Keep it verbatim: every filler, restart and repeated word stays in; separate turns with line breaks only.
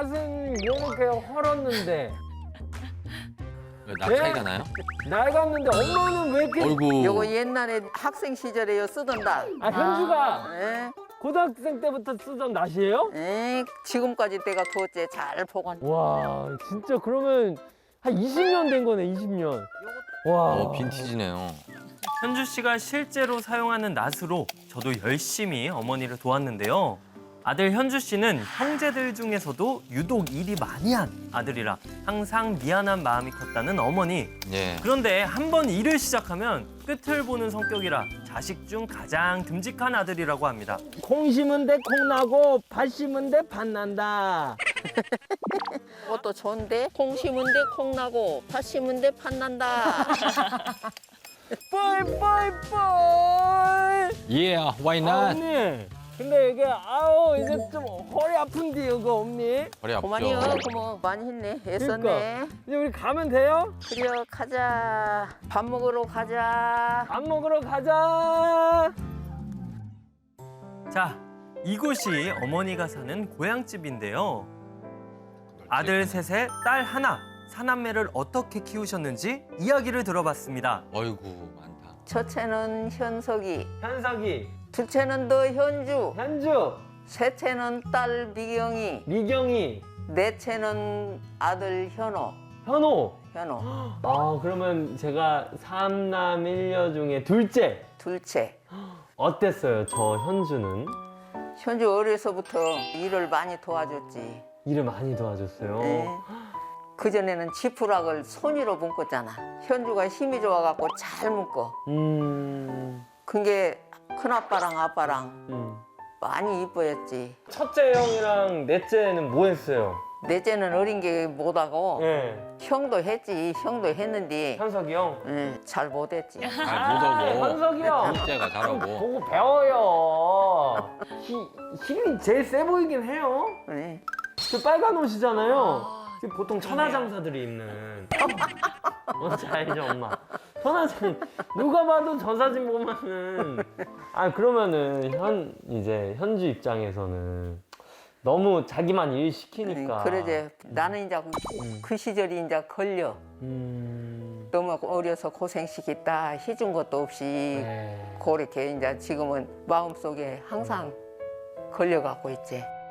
낯은 이렇게 헐었는데
왜 나
네?
차이가 나요?
낡았는데 엄마는 왜 이렇게
어이구.
요거 옛날에 학생 시절에요 쓰던 날.
아 현주가
예,
고등학생 때부터 쓰던 낫이에요?
예, 지금까지 내가 두었지 잘 보관.
와 진짜 그러면 한 이십 년 된 거네 이십 년. 와
어, 빈티지네요.
현주 씨가 실제로 사용하는 낫으로 저도 열심히 어머니를 도왔는데요. 아들 현주 씨는 형제들 중에서도 유독 일이 많이 한 아들이라 항상 미안한 마음이 컸다는 어머니.
예.
그런데 한 번 일을 시작하면 끝을 보는 성격이라 자식 중 가장 듬직한 아들이라고 합니다.
콩 심은 데 콩 나고 팥 심은 데 팥 난다.
그것도 좋은데 콩 심은 데 콩 나고 팥 심은 데 팥 난다.
뻘뻘뻘.
Yeah, why
아,
not?
언니. 근데 이게 아우 이제 좀 허리 아픈데 이거 언니.
허리 아프죠?
그만이요. 그뭐 많이 했네. 애썼네.
그러니까. 이제 우리 가면 돼요?
그래 가자. 밥 먹으러 가자.
밥 먹으러 가자.
자, 이곳이 어머니가 사는 고향집인데요. 아들 셋에 딸 하나, 사남매를 어떻게 키우셨는지 이야기를 들어봤습니다.
어이구, 많다.
첫째는 현석이,
현석이,
둘째는 너 현주,
현주,
셋째는 딸 미경이,
미경이,
넷째는 아들 현호.
현호.
현호.
아 그러면 제가 삼남 일녀 중에 둘째.
둘째.
어땠어요? 저 현주는
현주 어려서부터 일을 많이 도와줬지.
일을 많이 도와줬어요.
네. 그전에는 지푸락을 손으로 묶었잖아. 현주가 힘이 좋아갖고 잘 묶어.
음,
그게 큰아빠랑 아빠랑
음.
많이 이뻐했지.
첫째 형이랑 넷째는 뭐 했어요?
넷째는 어린 게 못하고
예,
형도 했지. 형도 했는데
현석이 형.
예, 잘 못했지.
잘 못하고.
현석이 형.
둘째가 잘하고.
보고 배워요. 히, 힘이 제일 세 보이긴 해요.
네.
그 빨간 옷이잖아요. 지금 보통 천하장사들이 입는. 뭔지 알죠, 엄마? 천하장 누가 봐도 저 사진 보면은 아 그러면은 현 이제 현주 입장에서는 너무 자기만 일 시키니까.
그러지. 나는 이제 그 시절이 이제 걸려.
음.
너무 어려서 고생시켰다 해준 것도 없이
네.
그렇게 이제 지금은 마음속에 항상 걸려갖고 있지.